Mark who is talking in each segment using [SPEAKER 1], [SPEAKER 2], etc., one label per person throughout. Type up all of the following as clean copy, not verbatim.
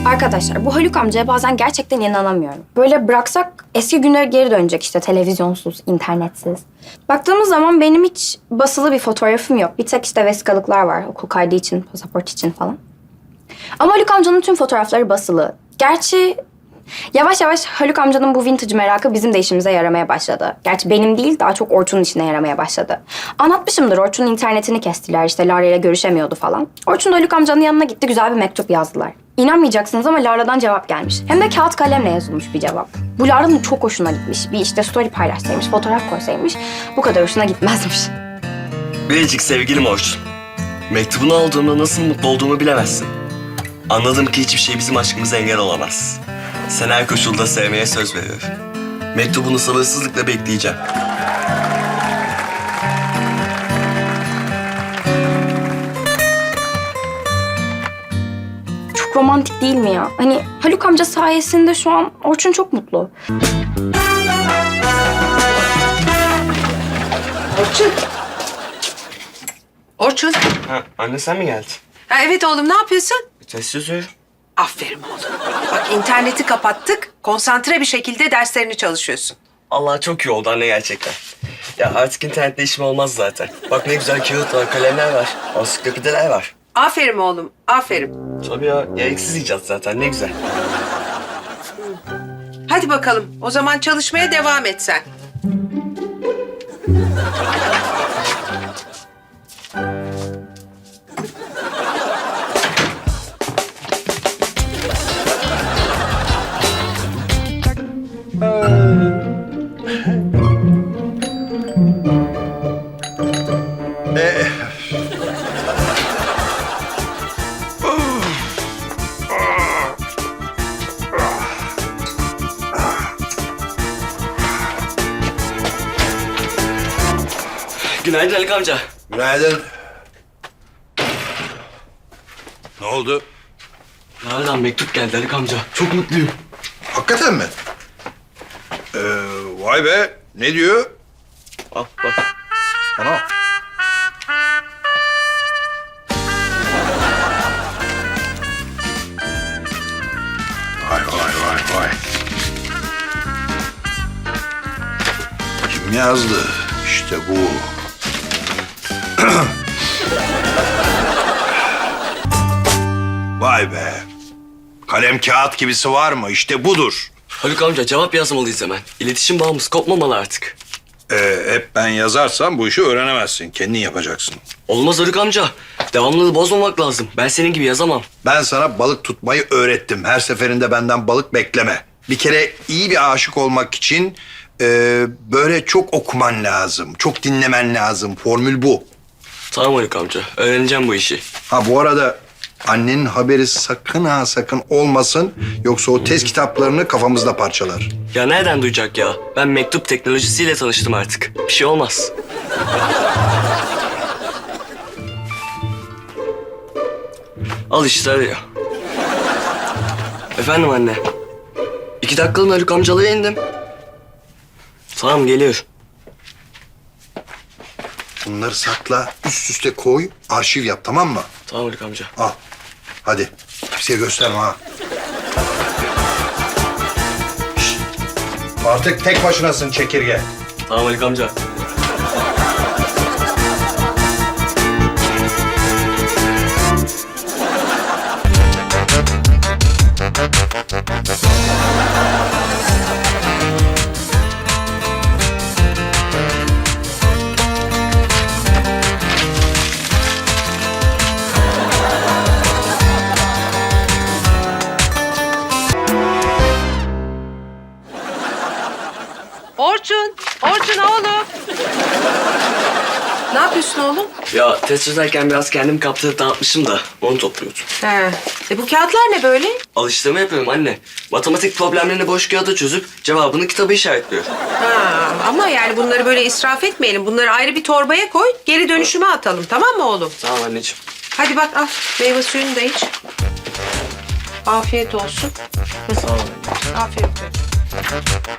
[SPEAKER 1] Arkadaşlar bu Haluk amcaya bazen gerçekten inanamıyorum. Böyle bıraksak eski günlere geri dönecek işte televizyonsuz, internetsiz. Baktığımız zaman benim hiç basılı bir fotoğrafım yok. Bir tek işte vesikalıklar var okul kaydı için, pasaport için falan. Ama Haluk amcanın tüm fotoğrafları basılı. Gerçi yavaş yavaş Haluk amcanın bu vintage merakı bizim de işimize yaramaya başladı. Gerçi benim değil, daha çok Orçun'un işine yaramaya başladı. Anlatmışımdır, Orçun'un internetini kestiler, işte Lara ile görüşemiyordu falan. Orçun da Haluk amcanın yanına gitti, güzel bir mektup yazdılar. İnanmayacaksınız ama Lara'dan cevap gelmiş. Hem de kağıt kalemle yazılmış bir cevap. Bu Lara'nın çok hoşuna gitmiş. Bir işte story paylaşsaymış, fotoğraf koysaymış bu kadar hoşuna gitmezmiş.
[SPEAKER 2] Biricik sevgilim Orçun. Mektubunu aldığımda nasıl mutlu olduğumu bilemezsin. Anladım ki hiçbir şey bizim aşkımıza engel olamaz. Sen her koşulda sevmeye söz veriyorum. Mektubunu sabırsızlıkla bekleyeceğim.
[SPEAKER 1] Çok romantik değil mi ya? Hani Haluk amca sayesinde şu an Orçun çok mutlu.
[SPEAKER 3] Orçun. Orçun.
[SPEAKER 2] Ha, anne sen mi geldin?
[SPEAKER 3] Ha, evet oğlum, ne yapıyorsun?
[SPEAKER 2] Test yazıyorum.
[SPEAKER 3] Aferin oğlum. Bak, interneti kapattık. Konsantre bir şekilde derslerini çalışıyorsun.
[SPEAKER 2] Allah çok iyi oldu anne gerçekten. Ya artık internette işim olmaz zaten. Bak ne güzel kağıt var, kalemler var, ansiklopediler var.
[SPEAKER 3] Aferin oğlum, aferin.
[SPEAKER 2] Tabii ya, gereksiz icat zaten ne güzel.
[SPEAKER 3] Hadi bakalım, o zaman çalışmaya devam et sen.
[SPEAKER 2] Günaydın Haluk amca.
[SPEAKER 4] Günaydın. Ne oldu?
[SPEAKER 2] Nereden mektup geldi Haluk amca? Çok mutluyum.
[SPEAKER 4] Hakikaten mi? Vay be. Ne diyor?
[SPEAKER 2] Al bak.
[SPEAKER 4] Ana. Vay vay vay vay. Kim yazdı? İşte bu. Vay be. Kalem kağıt gibisi var mı? İşte budur.
[SPEAKER 2] Haluk amca cevap yazmalıyız hemen. İletişim bağımız kopmamalı artık.
[SPEAKER 4] Hep ben yazarsam bu işi öğrenemezsin. Kendin yapacaksın.
[SPEAKER 2] Olmaz Haluk amca. Devamlılığı bozmamak lazım. Ben senin gibi yazamam.
[SPEAKER 4] Ben sana balık tutmayı öğrettim. Her seferinde benden balık bekleme. Bir kere iyi bir aşık olmak için böyle çok okuman lazım. Çok dinlemen lazım. Formül bu.
[SPEAKER 2] Tamam Haluk amca. Öğreneceğim bu işi.
[SPEAKER 4] Ha bu arada annenin haberi sakın ha sakın olmasın. Yoksa o test kitaplarını kafamızda parçalar.
[SPEAKER 2] Ya nereden duyacak ya? Ben mektup teknolojisiyle tanıştım artık. Bir şey olmaz. Al işte arıyor. Efendim anne. 2 dakikalığına Haluk amcalara indim. Tamam geliyor.
[SPEAKER 4] Bunları sakla, üst üste koy, arşiv yap, tamam mı?
[SPEAKER 2] Tamam Haluk amca.
[SPEAKER 4] Al. Hadi. Kimseye gösterme ha. Şişt. Artık tek başınasın çekirge.
[SPEAKER 2] Tamam Haluk amca.
[SPEAKER 3] Orçun, Orçun oğlum. Ne yapıyorsun oğlum?
[SPEAKER 2] Ya test çözerken biraz kendimi kaptırıp dağıtmışım da onu topluyordum.
[SPEAKER 3] He. Bu kağıtlar ne böyle?
[SPEAKER 2] Alıştırma yapıyorum anne. Matematik problemlerini boş kağıda çözüp cevabını kitaba işaretliyor.
[SPEAKER 3] Ha, ama yani bunları böyle israf etmeyelim. Bunları ayrı bir torbaya koy, geri dönüşüme atalım. Tamam mı oğlum?
[SPEAKER 2] Tamam anneciğim.
[SPEAKER 3] Hadi bak al, meyve suyunu da iç. Afiyet olsun.
[SPEAKER 2] Sağ ol anneciğim.
[SPEAKER 3] Afiyet olsun.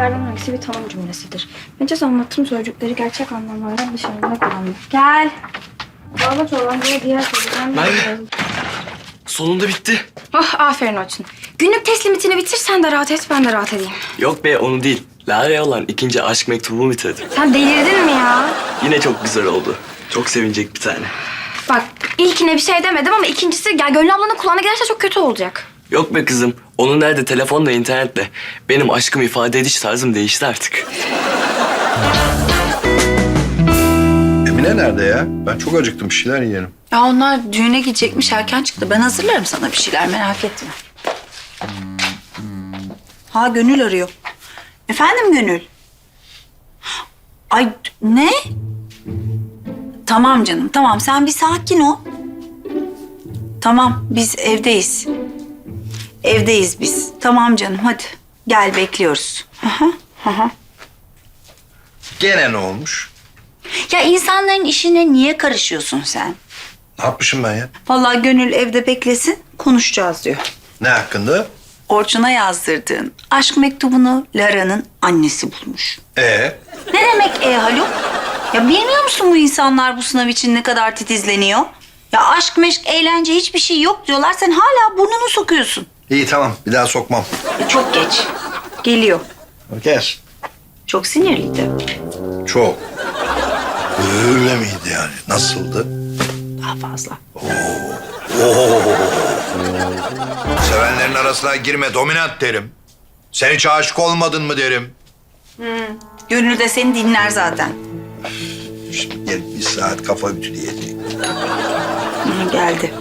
[SPEAKER 1] sözcüklerden hangisi bir tanım cümlesidir? Mecaz anlatım sözcükleri gerçek anlamlardan dışarıda kullanılır. Gel. Bağlaç olan diğer sözcükler.
[SPEAKER 2] Sonunda bitti.
[SPEAKER 1] Oh, aferin Orçun. Günlük test limitini bitir, sen de rahat et, ben de rahat edeyim.
[SPEAKER 2] Yok be onu değil. Lara'ya olan ikinci aşk mektubumu bitirdim.
[SPEAKER 1] Sen delirdin mi ya?
[SPEAKER 2] Yine çok güzel oldu. Çok sevinecek bir tane.
[SPEAKER 1] Bak, ilkine bir şey demedim ama ikincisi Gönül ablanın kulağına giderse çok kötü olacak.
[SPEAKER 2] Yok be kızım. Onun nerede telefonla, internetle. Benim aşkımı ifade ediş tarzım değişti artık.
[SPEAKER 4] Emine nerede ya? Ben çok acıktım, bir şeyler yiyelim.
[SPEAKER 5] Ya onlar düğüne gidecekmiş, erken çıktı. Ben hazırlarım sana bir şeyler, merak etme. Ha, Gönül arıyor. Efendim Gönül? Ay ne? Tamam canım, tamam. Sen bir sakin ol. Tamam, biz evdeyiz. Evdeyiz biz. Tamam canım, hadi. Gel, bekliyoruz. Aha.
[SPEAKER 4] Gene ne olmuş?
[SPEAKER 5] Ya insanların işine niye karışıyorsun sen?
[SPEAKER 4] Ne yapmışım ben ya?
[SPEAKER 5] Vallahi Gönül evde beklesin, konuşacağız diyor.
[SPEAKER 4] Ne hakkında?
[SPEAKER 5] Orçun'a yazdırdığın aşk mektubunu Lara'nın annesi bulmuş.
[SPEAKER 4] Ne
[SPEAKER 5] Ne demek Haluk? Ya bilmiyor musun bu insanlar bu sınav için ne kadar titizleniyor? Ya aşk meşk, eğlence hiçbir şey yok diyorlar. Sen hala burnunu sokuyorsun.
[SPEAKER 4] İyi tamam, bir daha sokmam.
[SPEAKER 5] Çok geç. Geliyor.
[SPEAKER 4] Gel.
[SPEAKER 5] Çok sinirliydi.
[SPEAKER 4] Çok. Öyle miydi yani? Nasıldı?
[SPEAKER 5] Daha fazla.
[SPEAKER 4] Sevenlerin arasına girme, dominant derim. Sen hiç aşık olmadın mı derim.
[SPEAKER 5] Gönül de seni dinler zaten.
[SPEAKER 4] Şimdi gelip bir saat kafa ütüleyecek.
[SPEAKER 5] Geldi.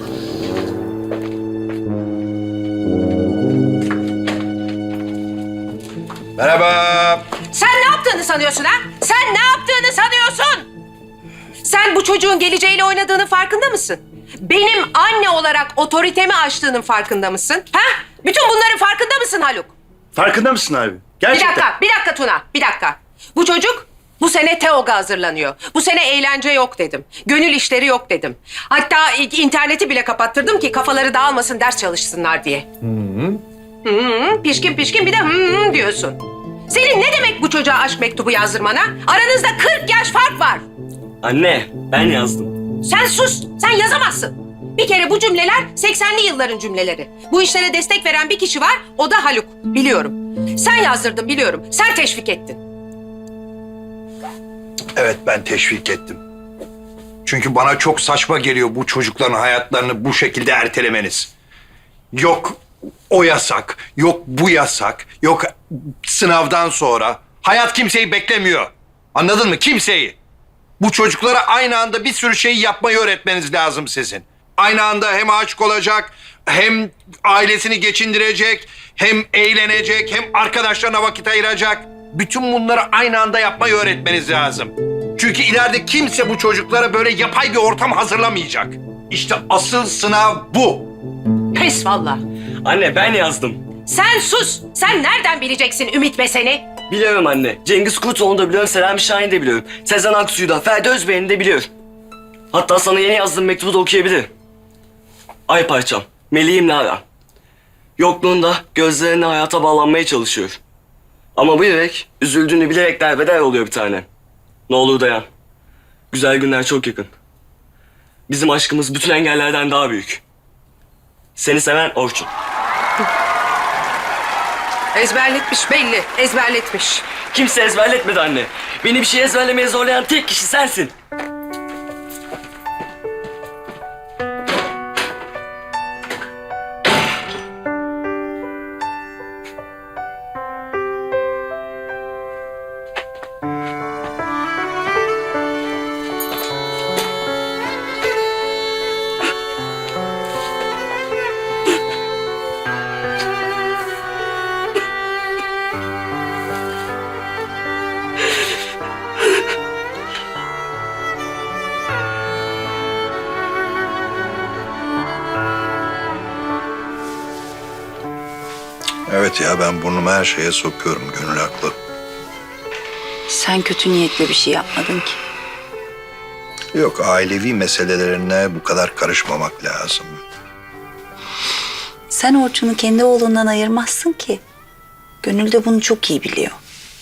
[SPEAKER 4] Merhaba.
[SPEAKER 3] Sen ne yaptığını sanıyorsun ha? Sen ne yaptığını sanıyorsun? Sen bu çocuğun geleceğiyle oynadığının farkında mısın? Benim anne olarak otoritemi aştığının farkında mısın? Ha? Bütün bunların farkında mısın Haluk?
[SPEAKER 6] Farkında mısın abi? Gerçekten.
[SPEAKER 3] Bir dakika Tuna, bir dakika. Bu çocuk bu sene TEOG'a hazırlanıyor. Bu sene eğlence yok dedim. Gönül işleri yok dedim. Hatta interneti bile kapattırdım ki kafaları dağılmasın, ders çalışsınlar diye. Pişkin pişkin bir de diyorsun. Senin ne demek bu çocuğa aşk mektubu yazdırmana? Aranızda 40 yaş fark var.
[SPEAKER 2] Anne ben yazdım.
[SPEAKER 3] Sen sus, sen yazamazsın. Bir kere bu cümleler 80'li yılların cümleleri. Bu işlere destek veren bir kişi var, o da Haluk. Biliyorum. Sen yazdırdın biliyorum. Sen teşvik ettin.
[SPEAKER 4] Evet, ben teşvik ettim. Çünkü bana çok saçma geliyor bu çocukların hayatlarını bu şekilde ertelemeniz. Yok o yasak, yok bu yasak, yok sınavdan sonra. Hayat kimseyi beklemiyor. Anladın mı? Kimseyi. Bu çocuklara aynı anda bir sürü şeyi yapmayı öğretmeniz lazım sizin. Aynı anda hem aşık olacak, hem ailesini geçindirecek, hem eğlenecek, hem arkadaşlarına vakit ayıracak. Bütün bunları aynı anda yapmayı öğretmeniz lazım. Çünkü ileride kimse bu çocuklara böyle yapay bir ortam hazırlamayacak. İşte asıl sınav bu.
[SPEAKER 3] Pes valla.
[SPEAKER 2] Anne ben yazdım.
[SPEAKER 3] Sen sus. Sen nereden bileceksin Ümit ve seni?
[SPEAKER 2] Biliyorum anne. Cengiz Kurtoğlu'nu da biliyorum, Selami Şahin'i de biliyorum. Sezen Aksu'yu da, Ferdi Özbey'ini de biliyorum. Hatta sana yeni yazdığım mektubu da okuyabilirim. Ay parçam, meleğim Lara. Yokluğunda gözlerine hayata bağlanmaya çalışıyor. Ama bu yürek üzüldüğünü bilerek derbeder oluyor bir tane. Ne olur dayan. Güzel günler çok yakın. Bizim aşkımız bütün engellerden daha büyük. Seni seven Orçun.
[SPEAKER 3] Ezberletmiş belli. Ezberletmiş.
[SPEAKER 2] Kimse ezberletmedi anne. Beni bir şey ezberlemeye zorlayan tek kişi sensin.
[SPEAKER 4] Evet ya, ben burnumu her şeye sokuyorum. Gönül haklı.
[SPEAKER 5] Sen kötü niyetle bir şey yapmadın ki.
[SPEAKER 4] Yok, ailevi meselelerine bu kadar karışmamak lazım.
[SPEAKER 5] Sen Orçun'u kendi oğlundan ayırmazsın ki. Gönül de bunu çok iyi biliyor.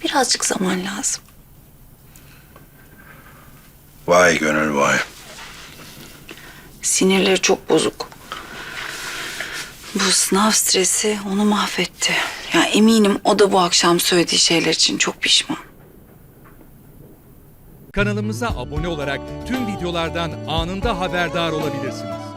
[SPEAKER 5] birazcık zaman lazım.
[SPEAKER 4] Vay Gönül vay.
[SPEAKER 5] Sinirleri çok bozuk. Bu sınav stresi onu mahvetti. Ya eminim o da bu akşam söylediği şeyler için çok pişman.
[SPEAKER 7] Kanalımıza abone olarak tüm videolardan anında haberdar olabilirsiniz.